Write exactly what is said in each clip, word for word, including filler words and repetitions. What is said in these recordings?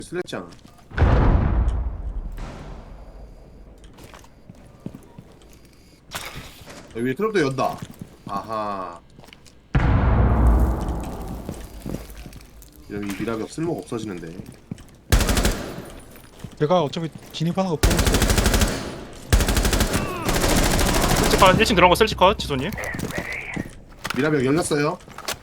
슬랬잖아. 여기 트럭도 연다. 아하. 여기 미라벽 쓸모가 없어지는데. 제가 어차피 진입하는 거 보고 있어요. 슬치컷 일 층 들어간 거 슬치컷 지소님. 미라벽 열렸어요.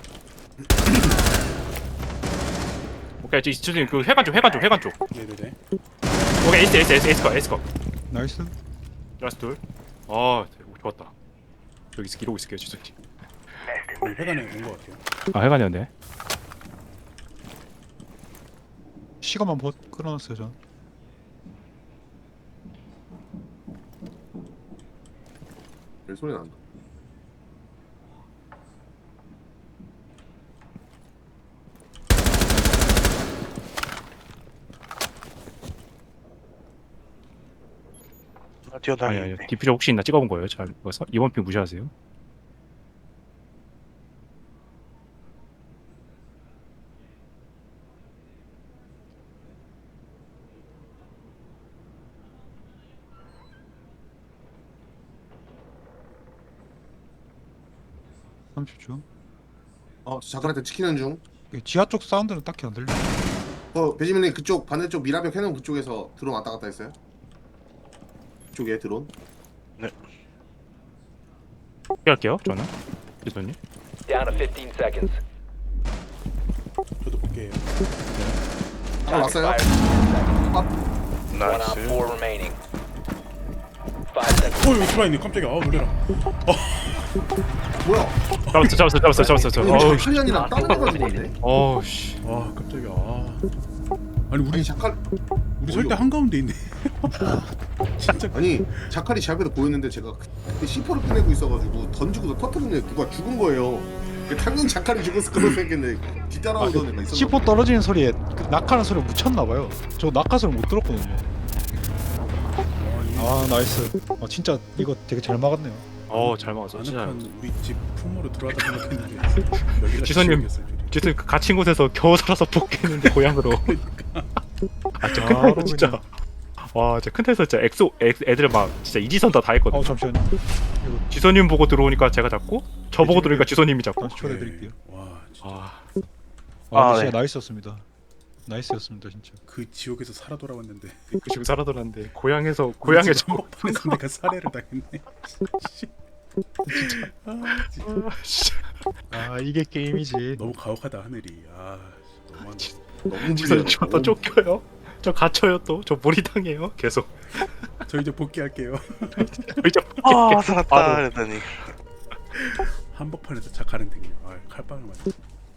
오케이 지소님 그 회관 쪽 회관 쪽 회관 쪽. 네네네. 오케이 에이스 에이스 에이스 에이스컷 에이스컷. 나이스. 라스트 둘. 아 좋았다. 여기 있 이러고 있을게요 지소님. 우리 회관에 온 것 같아요. 아 회관이었네. 시간만 버 끌어놨어요 전. 여기 소리 난다. 아, 아니 뛰어다니네. 아니 디퓨저 혹시 있나 찍어본 거예요. 잘 이거 서- 이번 핑 무시하세요. 삼십 초. 어, 저 작가한테 지키는 중. 지하 쪽 사운드는 딱히 안 들려. 어, 배지민님 그쪽 반대쪽 미라벽 해놓은 그쪽에서 드론 왔다 갔다 했어요? 그쪽에 드론? 할게요 저는 지소님. Down to fifteen seconds. 저도 볼게요. 아, 왔어요? One on 나이스. four remaining. Five seconds. 어 여기 들어있네. 깜짝이야. 아 놀래라. 뭐야? 잡았어 잡았어 잡았어 잡았어 잡았어. 여기 어우 자칼리안이랑 다른 애가 죽었네? 어우 씨. 아 깜짝이야. 아. 아니 우리 아니 자칼 우리 설 때 한 가운데 있네. 진짜. 아니 자칼이 제 앞에서 보였는데 제가 그때 씨포를 꺼내고 있어가지고 던지고 터뜨렸는데 누가 죽은 거예요. 그 당연히 자칼이 죽었을 거라고 생각했는데 뒤따라오던 애가 있었나 씨포 떨어지는 소리에 그 낙하는 소리 묻혔나봐요. 저 낙하 소리 못 들었거든요. 아 나이스. 아 진짜 이거 되게 잘 막았네요. 어잘 막았어 진짜. 아늑한 우리 집 품으로 들어왔다 생각했는데 여기가 지선님. 지옥이었어요, 줄이. 지소님 그 갇힌 곳에서 겨우 살아서 복귀했는데 고향으로. 아 진짜 큰 바로 타에서 진짜. 와 진짜 큰 타에서 진짜 엑소 애, 애들 막 진짜 이지선 다 다 했거든. 어 잠시만요. 이거 지소님 보고 들어오니까 제가 잡고 저 보고 들어오니까 지소님이 잡고. 다시 초대해드릴게요. 와 진짜 아 아, 아, 근데 네. 진짜 나이스였습니다. 나이스였습니다 진짜. 그 지옥에서 살아 돌아왔는데 그 지금 살아돌았는데 고향에서 고향에 저. 한복판에서 내가 살해를 당했네. 씨. 아, 진짜. 아, 씨. 아 이게 게임이지. 너무 가혹하다 하늘이. 아 너무 너무 지소님 불리하다. 저또 쫓겨요. 저 갇혀요 또. 저 몰이당해요 계속. 저 이제 복귀할게요. 저 이제 아 살았다 바로. 그러더니 한복판에서 착하는 등이요. 아 칼빵을 맞았어.